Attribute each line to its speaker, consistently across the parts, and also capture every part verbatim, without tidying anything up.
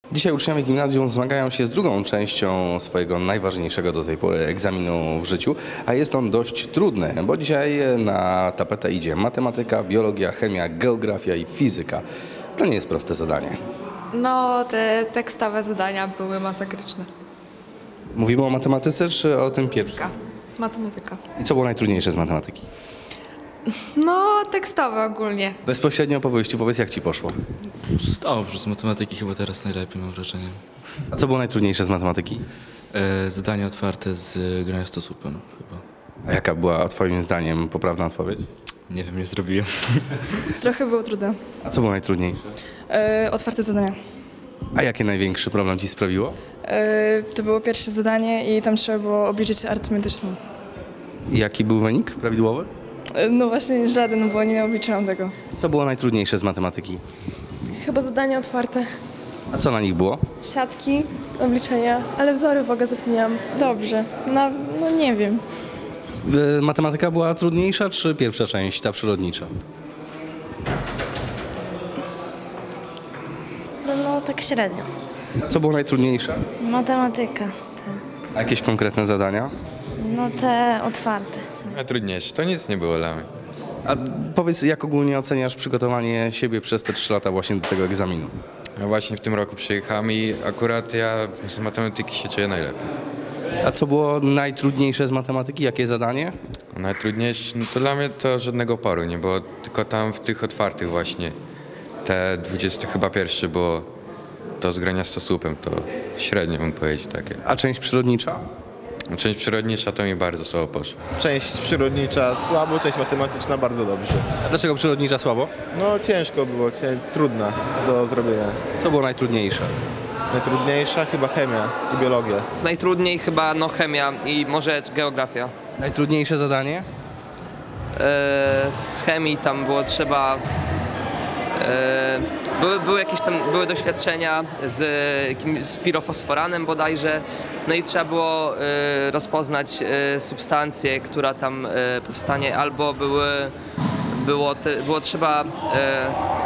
Speaker 1: Dzisiaj uczniowie gimnazjum zmagają się z drugą częścią swojego najważniejszego do tej pory egzaminu w życiu, a jest on dość trudny, bo dzisiaj na tapetę idzie matematyka, biologia, chemia, geografia i fizyka. To nie jest proste zadanie.
Speaker 2: No, te tekstowe zadania były masakryczne.
Speaker 1: Mówimy o matematyce czy o tym pierwszym?
Speaker 2: Matematyka.
Speaker 1: I co było najtrudniejsze z matematyki?
Speaker 2: No, tekstowe ogólnie.
Speaker 1: Bezpośrednio po wyjściu powiedz, jak ci poszło.
Speaker 3: Dobrze, z matematyki chyba teraz najlepiej, mam wrażenie.
Speaker 1: A co było najtrudniejsze z matematyki?
Speaker 3: E, zadania otwarte z grania stosupem chyba.
Speaker 1: A jaka była twoim zdaniem poprawna odpowiedź?
Speaker 3: Nie wiem, nie zrobiłem.
Speaker 4: Trochę było trudne.
Speaker 1: A co było najtrudniejsze?
Speaker 4: E, otwarte zadania.
Speaker 1: A jaki największy problem ci sprawiło?
Speaker 4: E, to było pierwsze zadanie i tam trzeba było obliczyć arytmetyczną.
Speaker 1: I jaki był wynik prawidłowy?
Speaker 4: E, no właśnie żaden, bo nie obliczyłam tego.
Speaker 1: Co było najtrudniejsze z matematyki?
Speaker 5: Chyba zadania otwarte.
Speaker 1: A co na nich było?
Speaker 5: Siatki, obliczenia, ale wzory w ogóle zapomniałam. Dobrze, no, no nie wiem.
Speaker 1: Y, Matematyka była trudniejsza, czy pierwsza część, ta przyrodnicza?
Speaker 6: No, no tak średnio.
Speaker 1: A co było najtrudniejsze?
Speaker 6: Matematyka. Te,
Speaker 1: A jakieś konkretne zadania?
Speaker 6: no te otwarte.
Speaker 7: Najtrudniejsze, to nic nie było dla mnie.
Speaker 1: A powiedz, jak ogólnie oceniasz przygotowanie siebie przez te trzy lata właśnie do tego egzaminu?
Speaker 7: Ja właśnie w tym roku przyjechałem i akurat ja z matematyki się czuję najlepiej.
Speaker 1: A co było najtrudniejsze z matematyki? Jakie zadanie?
Speaker 7: Najtrudniejsze, no to dla mnie to żadnego oporu nie było, tylko tam w tych otwartych właśnie, te dwudzieste chyba pierwsze było to z grania stosupem, to średnio bym powiedział takie.
Speaker 1: A część przyrodnicza?
Speaker 7: Część przyrodnicza to mi bardzo słabo poszło.
Speaker 8: Część przyrodnicza słabo, część matematyczna bardzo dobrze.
Speaker 1: A dlaczego przyrodnicza słabo?
Speaker 8: No ciężko było, cię- trudna do zrobienia.
Speaker 1: Co było najtrudniejsze?
Speaker 8: Najtrudniejsza chyba chemia i biologia.
Speaker 9: Najtrudniej chyba no chemia i może geografia.
Speaker 1: Najtrudniejsze zadanie?
Speaker 9: E, z chemii tam było trzeba... E, były, były jakieś tam były doświadczenia z, jakim, z pirofosforanem bodajże, no i trzeba było e, rozpoznać e, substancję, która tam e, powstanie, albo były, było, te, było trzeba e,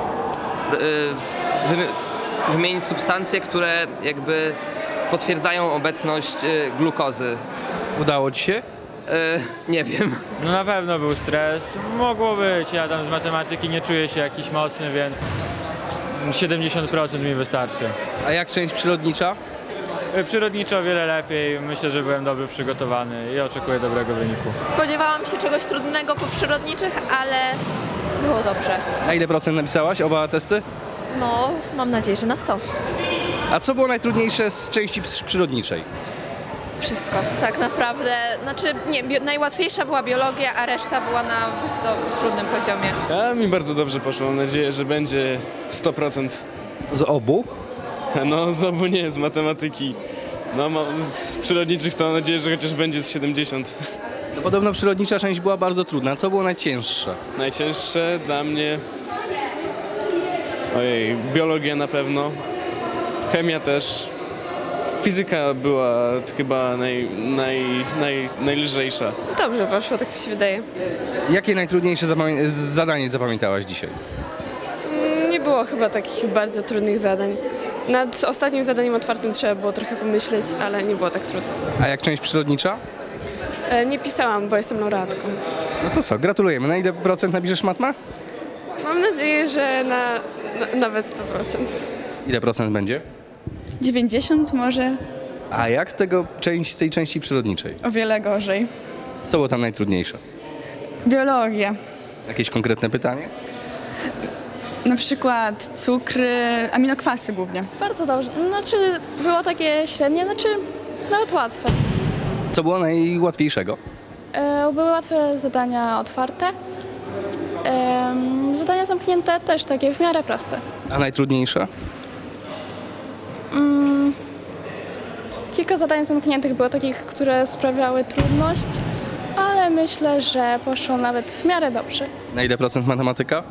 Speaker 9: e, wy, wymienić substancje, które jakby potwierdzają obecność e, glukozy.
Speaker 1: Udało ci się?
Speaker 9: E, nie wiem.
Speaker 10: No na pewno był stres. Mogło być. Ja tam z matematyki nie czuję się jakiś mocny, więc siedemdziesiąt procent mi wystarczy.
Speaker 1: A jak część przyrodnicza?
Speaker 10: Przyrodniczo o wiele lepiej. Myślę, że byłem dobrze przygotowany i oczekuję dobrego wyniku.
Speaker 2: Spodziewałam się czegoś trudnego po przyrodniczych, ale było dobrze.
Speaker 1: Na ile procent napisałaś oba testy?
Speaker 2: No, mam nadzieję, że na sto.
Speaker 1: A co było najtrudniejsze z części ps- przyrodniczej?
Speaker 2: Wszystko, tak naprawdę. Znaczy, nie, bio, najłatwiejsza była biologia, a reszta była na do, trudnym poziomie.
Speaker 11: A mi bardzo dobrze poszło, mam nadzieję, że będzie sto procent.
Speaker 1: Z obu?
Speaker 11: No z obu nie, z matematyki. No ma- z przyrodniczych to mam nadzieję, że chociaż będzie z siedemdziesiąt.
Speaker 1: No, podobno przyrodnicza część była bardzo trudna. Co było najcięższe?
Speaker 11: Najcięższe dla mnie... Ojej, biologia na pewno. Chemia też. Fizyka była chyba naj, naj, naj, najlżejsza.
Speaker 5: Dobrze poszło, tak mi się wydaje.
Speaker 1: Jakie najtrudniejsze zapamię- zadanie zapamiętałaś dzisiaj?
Speaker 5: Nie było chyba takich bardzo trudnych zadań. Nad ostatnim zadaniem otwartym trzeba było trochę pomyśleć, ale nie było tak trudno.
Speaker 1: A jak część przyrodnicza?
Speaker 5: E, nie pisałam, bo jestem laureatką.
Speaker 1: No to co, gratulujemy. Na ile procent napiszesz matma?
Speaker 5: Mam nadzieję, że na, na nawet sto procent.
Speaker 1: Ile procent będzie?
Speaker 4: dziewięćdziesiąt może,
Speaker 1: A jak z tego część, z tej części przyrodniczej?
Speaker 4: o wiele gorzej.
Speaker 1: Co było tam najtrudniejsze?
Speaker 4: Biologia.
Speaker 1: Jakieś konkretne pytanie?
Speaker 4: Na przykład cukry, aminokwasy głównie.
Speaker 12: Bardzo dobrze. Znaczy było takie średnie, znaczy nawet łatwe.
Speaker 1: Co było najłatwiejszego?
Speaker 12: E, były łatwe zadania otwarte. E, zadania zamknięte też takie w miarę proste.
Speaker 1: A najtrudniejsze?
Speaker 12: Mm, kilka zadań zamkniętych było takich, które sprawiały trudność, ale myślę, że poszło nawet w miarę dobrze.
Speaker 1: Na ile procent matematyka?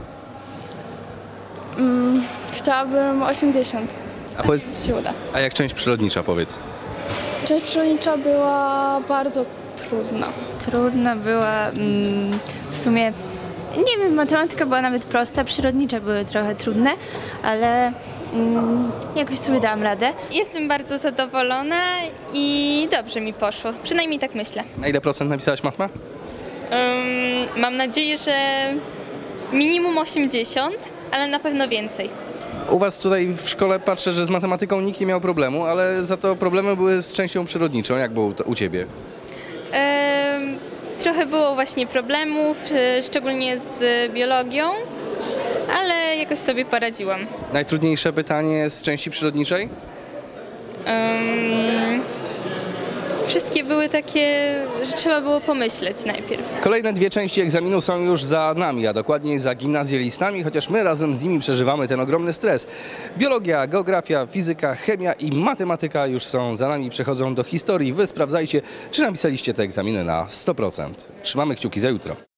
Speaker 12: Mm, chciałabym osiemdziesiąt.
Speaker 1: A, powiedz,
Speaker 12: Się uda.
Speaker 1: a jak część przyrodnicza, powiedz?
Speaker 12: Część przyrodnicza była bardzo trudna.
Speaker 4: Trudna była mm, w sumie
Speaker 13: Nie wiem, matematyka była nawet prosta, przyrodnicze były trochę trudne, ale mm, jakoś sobie dałam radę.
Speaker 14: Jestem bardzo zadowolona i dobrze mi poszło, przynajmniej tak myślę.
Speaker 1: Na ile procent napisałaś matma?
Speaker 14: Um, mam nadzieję, że minimum osiemdziesiąt, ale na pewno więcej.
Speaker 1: U was tutaj w szkole patrzę, że z matematyką nikt nie miał problemu, ale za to problemy były z częścią przyrodniczą. Jak było u ciebie?
Speaker 14: Um, trochę było właśnie problemów, e, szczególnie z biologią, ale jakoś sobie poradziłam.
Speaker 1: Najtrudniejsze pytanie z części przyrodniczej?
Speaker 14: Um, wszystkie były takie, że trzeba było pomyśleć najpierw.
Speaker 1: Kolejne dwie części egzaminu są już za nami, a dokładniej za gimnazjalistami, chociaż my razem z nimi przeżywamy ten ogromny stres. Biologia, geografia, fizyka, chemia i matematyka już są za nami, przechodzą do historii. Wy sprawdzajcie, czy napisaliście te egzaminy na sto procent. Trzymamy kciuki za jutro.